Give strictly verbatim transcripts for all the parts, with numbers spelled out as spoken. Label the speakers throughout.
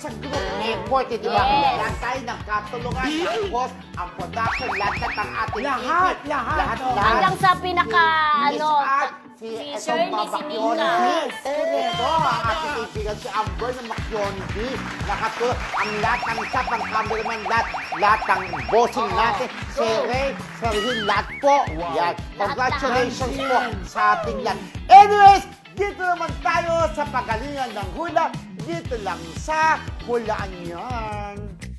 Speaker 1: sa group effort, eh, di ba?
Speaker 2: Yes.
Speaker 1: Lahat tayo nagkatulungan. Tapos, ang production, lahat ng ating
Speaker 3: Lahat,
Speaker 1: team.
Speaker 3: lahat,
Speaker 1: Lahat,
Speaker 3: oh.
Speaker 1: lahat.
Speaker 2: Hanggang sa pinaka,
Speaker 1: Miss
Speaker 2: ano,
Speaker 1: Art, si,
Speaker 2: si
Speaker 1: etong
Speaker 2: Shirley, si
Speaker 1: Mabakyon.
Speaker 2: Mika.
Speaker 1: Yes. Ito, ang ating kaibigan si Amber na Makyondi. Nakatulong. Ang lahat ng staff, ang cameraman, lahat, lahat ng bossing
Speaker 2: Oo.
Speaker 1: natin. Si Ray, si Rahil, lahat po. Yan. Congratulations po sa ating lahat. Anyways, dito naman tayo sa pagalingan ng hula. Dito lang sa Hulaan Yan.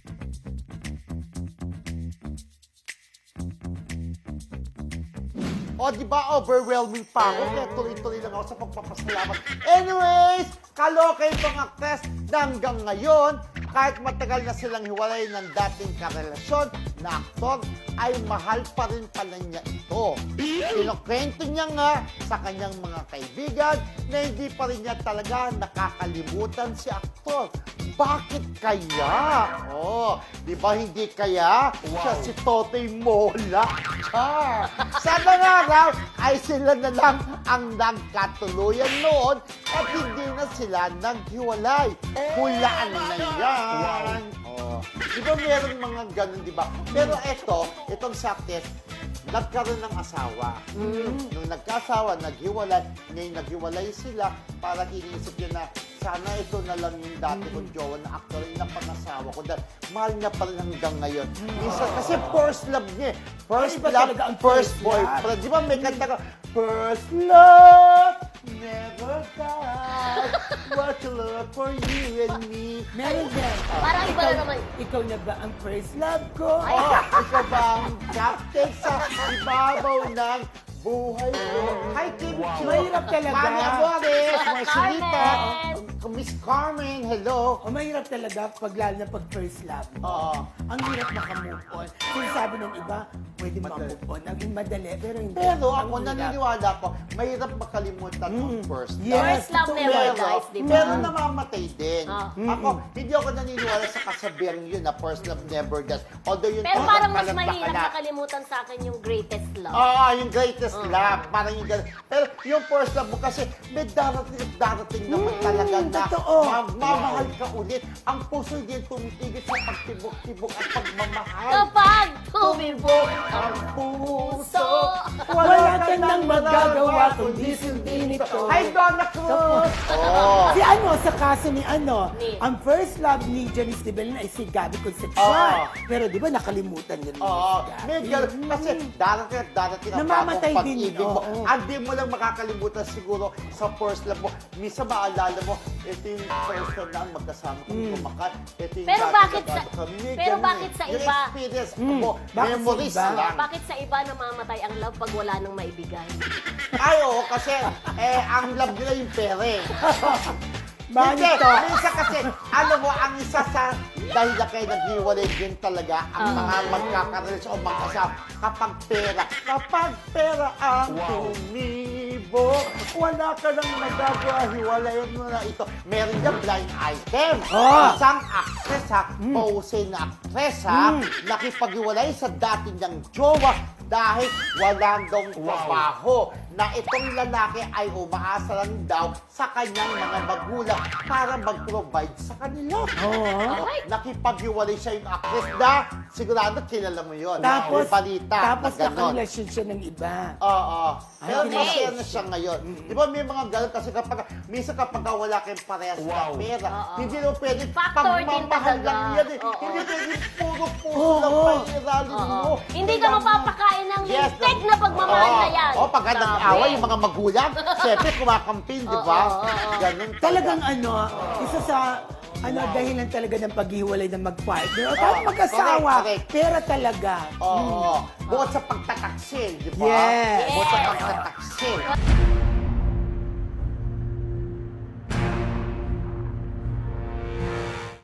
Speaker 1: O, di ba, overwhelming pa ako. Kaya tuloy-tuloy lang ako sa pagpapasalamat. Anyways, kaloka itong actress na hanggang ngayon, kahit matagal na silang hiwalay ng dating karelasyon na aktor, ay mahal pa rin pala niya ito. Kinukwento niya nga sa kanyang mga kaibigan na hindi pa rin niya talaga nakakalimutan si aktor. Bakit kaya? Oh, di ba hindi kaya? Siya si Totoy Mola. Char! Sana nga raw ay sila na lang ang nagkatuluyan noon at hindi na sila naghiwalay. Hulaan na yan. Oh. Di ba meron mga ganun, di ba? Pero eto, itong sakit, nagkaroon ng asawa. Mm. Nung nagkasawa, naghiwalay, ngayon naghiwalay sila, parang iniisip niya na sana ito na lang yung dati kong jowa na actor na pangasawa ko dahil mahal niya pa rin hanggang ngayon. Minsan, kasi first love niya eh. First
Speaker 3: Iba
Speaker 1: love,
Speaker 3: talaga ang
Speaker 1: first
Speaker 3: first
Speaker 1: boyfriend. Di ba may kanta ka, first love never dies. What you love for you and me.
Speaker 3: Meron din.
Speaker 2: Parang iba na naman.
Speaker 3: Ikaw na ba ang first love ko?
Speaker 1: Oh, ikaw ba ang captain sa ibabaw ng buhay ko? Hi, Kim Chiu.
Speaker 3: Mahirap talaga.
Speaker 1: Mami Amores, Marcelita,
Speaker 2: Carmen.
Speaker 1: Miss Carmen, hello.
Speaker 3: O mahirap talaga pag lalo na pag first love mo.
Speaker 1: Oo.
Speaker 3: Ang hirap makamove on. Kung sabi ng iba, pwede
Speaker 1: Madali.
Speaker 3: mamove on. Ang madali, pero hindi.
Speaker 1: Pero
Speaker 3: Ang
Speaker 1: ako
Speaker 3: hirap.
Speaker 1: naniniwala ko, mahirap makalimutan ang
Speaker 3: Mm.
Speaker 1: first love.
Speaker 3: Yes.
Speaker 2: First love
Speaker 3: Pero-
Speaker 2: never
Speaker 1: Pero,
Speaker 2: dies, di ba?
Speaker 1: pero namamatay din.
Speaker 2: Ah.
Speaker 1: Ako, hindi ako naniniwala sa kasabihang yun na first love never dies. Although yun
Speaker 2: Pero
Speaker 1: talagang
Speaker 2: parang mas
Speaker 1: palagpakan
Speaker 2: mahirap
Speaker 1: natin.
Speaker 2: makalimutan sa akin yung greatest love.
Speaker 1: Oo, yung greatest
Speaker 2: Oo.
Speaker 1: love. Parang yung ganun. Pero yung first love mo kasi may darating at darating naman
Speaker 3: Mm,
Speaker 1: talaga na
Speaker 3: totoo.
Speaker 1: mamahal ka ulit. Ang puso hindi tumitigil sa pagtibok-tibok at pagmamahal.
Speaker 2: Kapag tumibok
Speaker 1: Ang puso,
Speaker 3: Wala ka nang magagawa kundi sundin ito.
Speaker 1: Hi, Donna Cruz! Oh.
Speaker 3: Si ano, sa kaso ni ano,
Speaker 2: Ni-
Speaker 3: ang first love ni Janice de Belen ay si Gabby Concepcion.
Speaker 1: Oo.
Speaker 3: Pero di ba nakalimutan niya rin
Speaker 1: Oo,
Speaker 3: si Gabby.
Speaker 1: may ganun. Kasi darating at darating ang
Speaker 3: Namamatay
Speaker 1: bagong
Speaker 3: din,
Speaker 1: pag-ibig mo.
Speaker 3: oo.
Speaker 1: Hindi mo lang makakalimutan siguro sa first love mo. Minsan maalala mo, ito yung first time na magkasama kami kumakan. Ito yung
Speaker 2: Pero
Speaker 1: dati
Speaker 2: bakit
Speaker 1: na
Speaker 2: sa-
Speaker 1: kami. May
Speaker 2: pero
Speaker 1: ganun
Speaker 2: bakit
Speaker 1: eh.
Speaker 2: sa
Speaker 1: Yung
Speaker 2: iba?
Speaker 1: experience
Speaker 3: Mm,
Speaker 1: mo,
Speaker 3: bakit sa
Speaker 1: memories
Speaker 3: iba?
Speaker 1: lang.
Speaker 2: Bakit sa iba namamatay ang love pag wala nang maibigay?
Speaker 1: Ay, oo, kasi eh, ang love nila yung pere.
Speaker 3: Bakit
Speaker 1: Hindi,
Speaker 3: to?
Speaker 1: minsan kasi, alam mo, ang isa sa dahil na kayo naghiwalay din talaga ang
Speaker 2: Ah.
Speaker 1: mga magkakarelasyon o magkasama kapag pera. Kapag pera ang tumibok, wala ka nang magagawa, hiwalayan mo na ito. Meron dyan blind item.
Speaker 3: Ah.
Speaker 1: Isang actress ha, pose na actress ha,
Speaker 3: Mm.
Speaker 1: nakipaghiwalay sa dati niyang jowa dahil walang daw trabaho na itong lalaki ay umaasa lang daw sa kanyang mga magulang para mag-provide sa kanila.
Speaker 3: Oo.
Speaker 2: Ay.
Speaker 1: Nakipaghiwalay siya yung actress na sigurado kilala mo yun.
Speaker 3: Tapos,
Speaker 1: May balita
Speaker 3: tapos
Speaker 1: na gano'n.
Speaker 3: nakarelasyon siya ng iba.
Speaker 1: Oo. Pero
Speaker 3: Ay,
Speaker 1: masaya
Speaker 2: okay.
Speaker 1: na siya ngayon. Di ba may mga gano'n kasi kapag, minsan kapag wala kayong parehas na pera,
Speaker 2: Oo.
Speaker 1: hindi mo pwede
Speaker 2: Factor din
Speaker 1: pagmamahal
Speaker 2: talaga.
Speaker 1: lang yan eh.
Speaker 2: Oo.
Speaker 1: Hindi pwede puro-puro
Speaker 3: Oo.
Speaker 1: lang pa iralin
Speaker 2: Oo.
Speaker 1: mo.
Speaker 2: Hindi ka
Speaker 1: Kailangan-
Speaker 2: mapapakain ng
Speaker 1: Yes,
Speaker 2: lintik na pagmamahal
Speaker 1: Oo.
Speaker 2: na yan.
Speaker 1: Oo, pagka
Speaker 2: Grabe.
Speaker 1: nag-away yung mga magulang, siyempre kumakampin, di ba?
Speaker 2: Oo, oo, oo.
Speaker 1: Ganun
Speaker 3: Talagang ano, isa sa ano dahilan talaga ng paghiwalay ng mag-partner. O kahit
Speaker 1: Oo,
Speaker 3: mag-asawa,
Speaker 1: correct, correct.
Speaker 3: pera talaga.
Speaker 1: Oo. Bukod sa pagtataksil, di ba?
Speaker 3: Yes.
Speaker 1: Bukod sa
Speaker 2: Yes.
Speaker 1: pagtataksil.